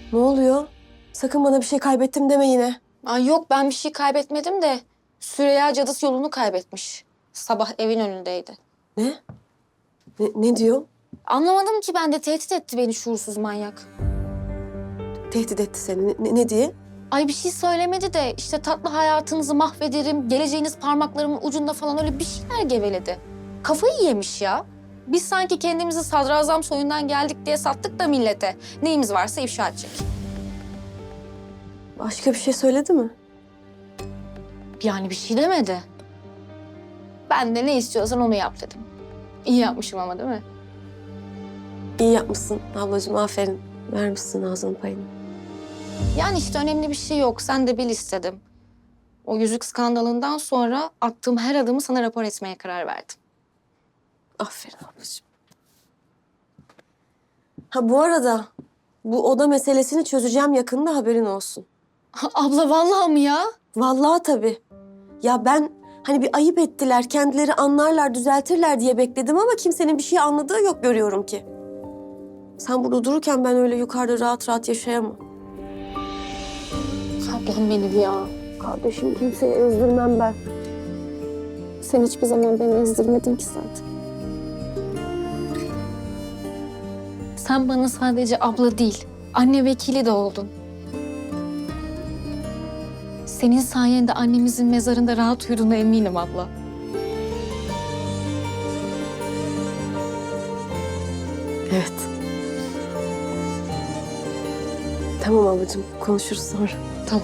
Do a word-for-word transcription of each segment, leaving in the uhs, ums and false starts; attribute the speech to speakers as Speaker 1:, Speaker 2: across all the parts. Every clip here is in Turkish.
Speaker 1: Ne oluyor? Sakın bana bir şey kaybettim deme yine.
Speaker 2: Ay yok ben bir şey kaybetmedim de Süreyya cadısı yolunu kaybetmiş. Sabah evin önündeydi.
Speaker 1: Ne? Ne, ne diyor?
Speaker 2: Anlamadım ki ben de tehdit etti beni şuursuz manyak.
Speaker 1: Tehdit etti seni. Ne, ne diye?
Speaker 2: Ay bir şey söylemedi de işte tatlı hayatınızı mahvederim, geleceğiniz parmaklarımın ucunda falan öyle bir şeyler geveledi. Kafayı yemiş ya. Biz sanki kendimizi sadrazam soyundan geldik diye sattık da millete. Neyimiz varsa ifşa edecek.
Speaker 1: Başka bir şey söyledi mi?
Speaker 2: Yani bir şey demedi. Ben de ne istiyorsan onu yap dedim. İyi yapmışım ama değil mi?
Speaker 1: İyi yapmışsın ablacığım, aferin. Vermişsin ağzının payını.
Speaker 2: Yani işte önemli bir şey yok. Sen de bil istedim. O yüzük skandalından sonra attığım her adımı sana rapor etmeye karar verdim.
Speaker 1: Aferin ablacığım. Ha bu arada bu oda meselesini çözeceğim yakında, haberin olsun.
Speaker 2: Abla vallahi mı ya?
Speaker 1: Vallahi tabii. Ya ben hani bir ayıp ettiler, kendileri anlarlar, düzeltirler diye bekledim ama kimsenin bir şey anladığı yok görüyorum ki. Sen burada dururken ben öyle yukarıda rahat rahat yaşayamam.
Speaker 2: Ablam benim ya.
Speaker 1: Kardeşim, kimseyi ezdirmem ben.
Speaker 2: Sen hiçbir zaman beni ezdirmedin ki zaten. Sen bana sadece abla değil, anne vekili de oldun. Senin sayende annemizin mezarında rahat uyuduğuna eminim abla.
Speaker 1: Evet. Tamam ablacığım, konuşuruz sonra.
Speaker 2: Tamam.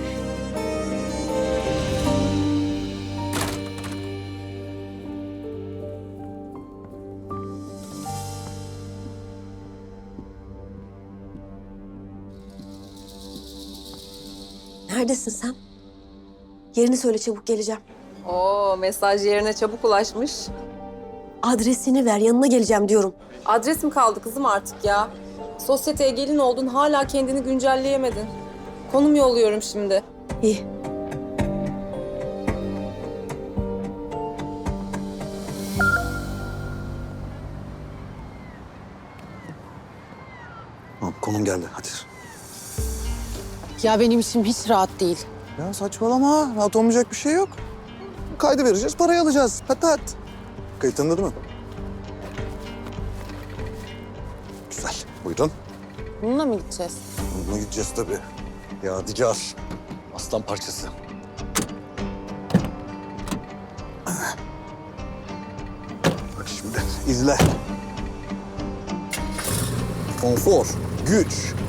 Speaker 1: Neredesin sen? Yerini söyle, çabuk geleceğim.
Speaker 3: Oo, mesaj yerine çabuk ulaşmış.
Speaker 1: Adresini ver, yanına geleceğim diyorum.
Speaker 3: Adres mi kaldı kızım artık ya? Sosyeteye gelin oldun, hala kendini güncelleyemedin. Konum yolluyorum şimdi.
Speaker 1: İyi.
Speaker 4: Tamam, konum geldi. Hadi.
Speaker 5: Ya benim içim hiç rahat değil.
Speaker 4: Ya saçmalama. Rahat olmayacak bir şey yok. Kaydı vereceğiz, parayı alacağız. Patat. Kayıtında değil mi? Güzel. Buyurun.
Speaker 5: Bununla mı gideceğiz?
Speaker 4: Bununla gideceğiz tabii. Yadigar. Aslan parçası. Bak şimdi izle. Konfor, güç,